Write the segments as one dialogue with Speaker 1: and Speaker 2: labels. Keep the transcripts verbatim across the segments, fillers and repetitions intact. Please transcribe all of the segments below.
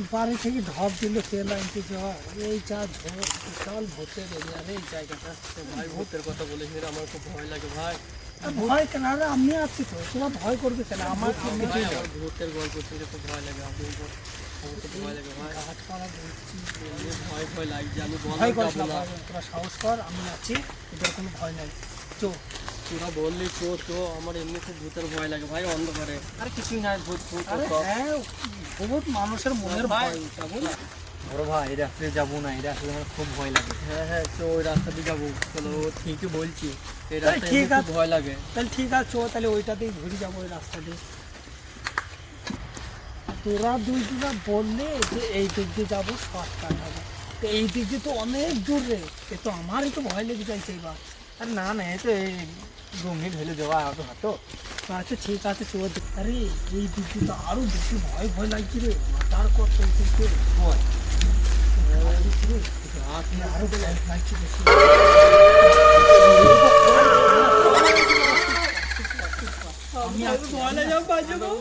Speaker 1: বাড়ি থেকে ঢপ দিল তেল আনতে যাওয়া এই যা ঝোঁক বিশাল ভূতের এরিয়া রে এই জায়গাটা।
Speaker 2: ভাই ভূতের কথা বলিস না, আমার খুব ভয় লাগে ভাই।
Speaker 1: আর ভয় কেন? আরে আমি আছি তো, তোরা ভয় করবে কেন? আমার
Speaker 2: ভাই আমার ভূতের গল্প শুনতে খুব ভয় লাগে, আমি আমার খুব ভয় লাগে ভাই।
Speaker 1: গাছপালা বলছি,
Speaker 2: এমনি ভয় ভয় লাগছে, আমি
Speaker 1: ভয়
Speaker 2: বললাম
Speaker 1: করিস
Speaker 2: যাবো
Speaker 1: না,
Speaker 2: না।
Speaker 1: ভয়- তোরা সাহস কর, আমি আছি, তোদের কোনো ভয় নাই। চো
Speaker 2: তোরা বললি চো চো, আমার এমনি খুব ভূতের ভয় লাগে ভাই, অন্ধকারে। আরে কিছুই নাই, ভূত ভূত
Speaker 1: আরে
Speaker 2: চো।
Speaker 1: হ্যাঁ, বহুত মানুষের মনের
Speaker 2: ভাই,
Speaker 1: ভয়, যাবো না?
Speaker 3: বড় ভাই এই রাস্তায় যাবো না, এই রাস্তায় আমার খুব ভয় লাগে।
Speaker 2: হ্যাঁ হ্যাঁ চো, ওই রাস্তা দিয়ে যাবো। চলো, ও ঠিকই বলছি, এই
Speaker 1: তাহলে
Speaker 2: রাস্তায়
Speaker 1: ঠিক
Speaker 2: এমনি খুব
Speaker 1: আছে।
Speaker 2: ভয় লাগে।
Speaker 1: তাহলে ঠিক আছে, চো তাহলে ওইটাতেই ঘুরে যাবো, ওই রাস্তা দিয়ে। তোরা দুই দিনা বললে যে এই দিক দিয়ে যাবো, শর্টকাট হবে, তো এই দিক দিয়ে তো অনেক দূর রে, এ তো আমারই তো ভয় লেগে যাইছে এবার।
Speaker 3: আর না না, এই তো এই রুমে ঢেলে দেওয়া হাঁটো হাঁটো।
Speaker 1: আচ্ছা ঠিক আছে, চো। আরে এই দিক দিয়ে তো আরো বেশি ভয় ভয় লাগছে রে, মাথার কত এই দিক দিয়ে ভয়। আরো ভয় লাগছে বেশি। আমি আছি,
Speaker 2: ভয় লাগে, আমি বাঁচবো না।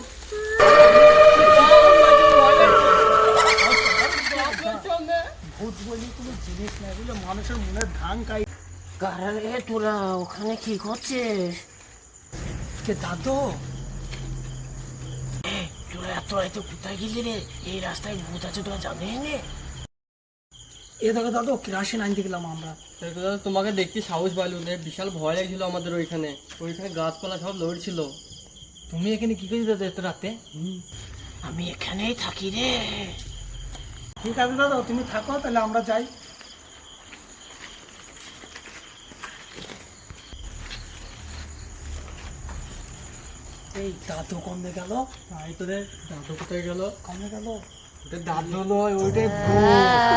Speaker 1: ভূত বলি কোনো জিনিস নাই, বুঝলো, মানুষের মনের ধান কাই।
Speaker 4: কারে তোরা ওখানে কি করছিস?
Speaker 1: কে দাদু?
Speaker 4: তোরা এত রাইতে কোথায় গেলি রে? এই রাস্তায় ভূত আছে তোরা জানিস নে?
Speaker 1: এ দেখো দাদু, কেরাসিন আনতে গেলাম আমরা।
Speaker 2: দেখো দাদা, তোমাকে দেখতে সাহস পাইল না, বিশাল ভয় লাগছিল আমাদের ওইখানে। ওইখানে গাছপালা সব লড়ছিল।
Speaker 3: তুমি এখানে কি করে যেতে এত রাতে?
Speaker 4: আমি এখানেই থাকি রে।
Speaker 1: ঠিক আছে দাদা, তুমি থাকো, তাহলে আমরা যাই। এই দাদু কমে গেল।
Speaker 2: তাই তোদের দাদু কোথায় গেল?
Speaker 1: কমে গেল।
Speaker 3: ওটা দাদু নয়, ওইটাই ভূত।